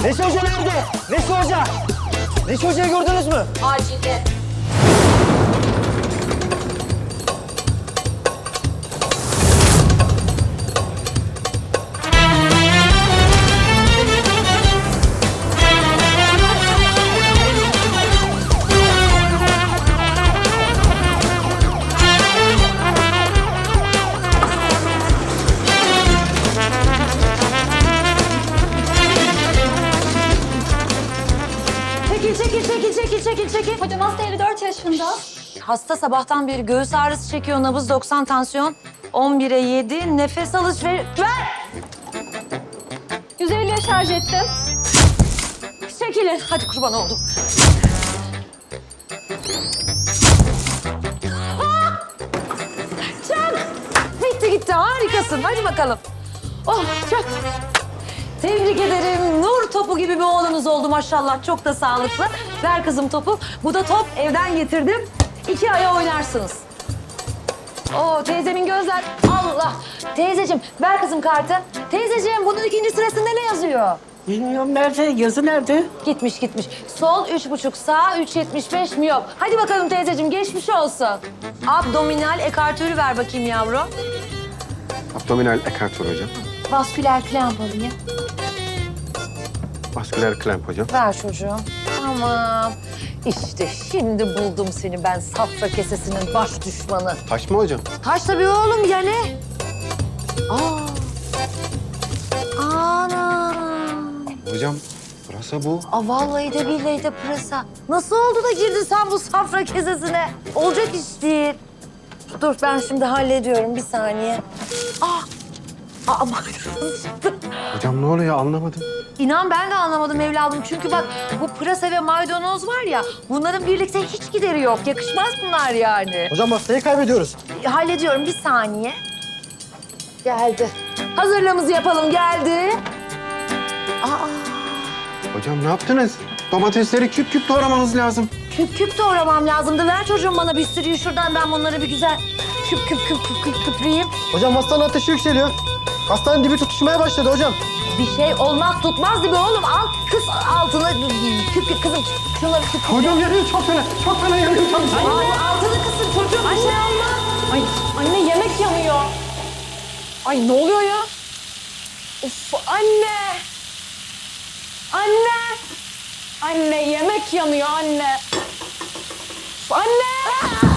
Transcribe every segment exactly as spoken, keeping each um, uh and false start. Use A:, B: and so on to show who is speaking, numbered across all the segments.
A: Neşe Hoca nerede? Neşe Hoca! Neşe Hoca'yı gördünüz mü?
B: Acilde.
C: Çekil, çekil, çekil, çekil, çekil, çekil.
B: Hocam hasta elli dört yaşında.
C: Hasta sabahtan beri göğüs ağrısı çekiyor, nabız doksan, tansiyon on bire yedi, nefes alış ver. Ver!
B: yüz elliye şarj ettim.
C: Çekilin. Hadi kurban oldum. Ah! Çak! Bitti gitti, harikasın. Hadi bakalım. Oh, çak. Tebrik ederim. Nur topu gibi bir oğlunuz oldu maşallah. Çok da sağlıklı. Ver kızım topu. Bu da top. Evden getirdim. İki aya oynarsınız. Oo, teyzemin gözler. Allah. Teyzeciğim, ver kızım kartı. Teyzeciğim, bunun ikinci sırasında ne yazıyor?
D: Bilmiyorum nerede, yazı nerede?
C: Gitmiş gitmiş. Sol üç buçuk, sağ üç yetmiş beş miyop. Hadi bakalım teyzeciğim, geçmiş olsun. Abdominal ekartörü ver bakayım yavrum.
E: Abdominal ekartör hocam.
C: Vasküler klemp alayım.
E: Vasküler klemp hocam.
C: Ver çocuğum. Tamam. İşte şimdi buldum seni ben, safra kesesinin baş düşmanı.
E: Taş mı hocam?
C: Taş tabii oğlum ya ne? Aa. Ana.
E: Hocam burası bu.
C: Aa, vallahi de billahi de pırasa. Nasıl oldu da girdin sen bu safra kesesine? Olacak iş değil. Dur ben şimdi hallediyorum bir saniye. Ah! Aa, maydanoz çıktı.
E: Hocam ne oluyor anlamadım.
C: İnan ben de anlamadım evladım. Çünkü bak bu pırasa ve maydanoz var ya, bunların birlikte hiç gideri yok. Yakışmaz bunlar yani.
A: Hocam hastayı kaybediyoruz.
C: Hallediyorum bir saniye. Geldi. Hazırlığımızı yapalım, geldi. Aa,
E: Hocam ne yaptınız? Domatesleri küp küp doğramanız lazım.
C: küp küp doğramam lazımdı. Ver çocuğum bana bir sürüyü şuradan, ben bunları bir güzel küp küp küp küp küp küpreyeyim.
A: Hocam hastanın ateşi yükseliyor. Hastanın dibi tutuşmaya başladı hocam.
C: Bir şey olmaz tutmaz gibi oğlum. Al kız altına küp küp kızım. Şunları küp küp.
E: Hocam yanıyor çok fena. Çok fena yanıyor. Çok fena.
C: Al, altını kısın çocuğum. Bir şey olmaz.
B: Ay anne yemek yanıyor. Ay ne oluyor ya? Of anne. Anne. Anne yemek yanıyor anne. Of, anne.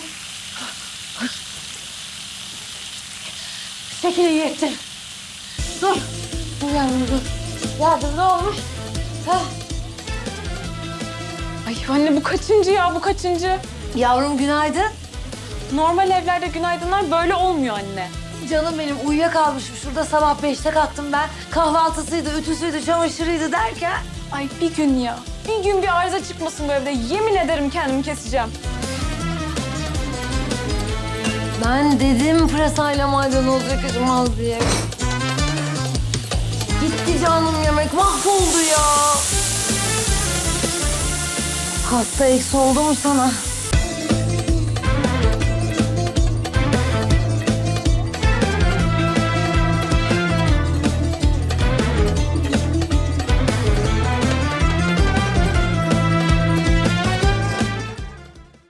C: Şekil iyi ettin. Dur. Dur yavrum dur. Ya dur ne olmuş? Hah.
B: Ay anne bu kaçıncı ya bu kaçıncı?
C: Yavrum günaydın.
B: Normal evlerde günaydınlar böyle olmuyor anne.
C: Canım benim uyuyakalmışım. Şurada sabah beşte kalktım ben. Kahvaltısıydı, ütüsüydü, çamaşırıydı derken.
B: Ay bir gün ya. Bir gün bir arıza çıkmasın bu evde. Yemin ederim kendimi keseceğim.
C: Ben dedim pırasayla maydanoz yakışmaz diye. Gitti canım yemek, mahvoldu ya. Hasta eksi oldu mu sana?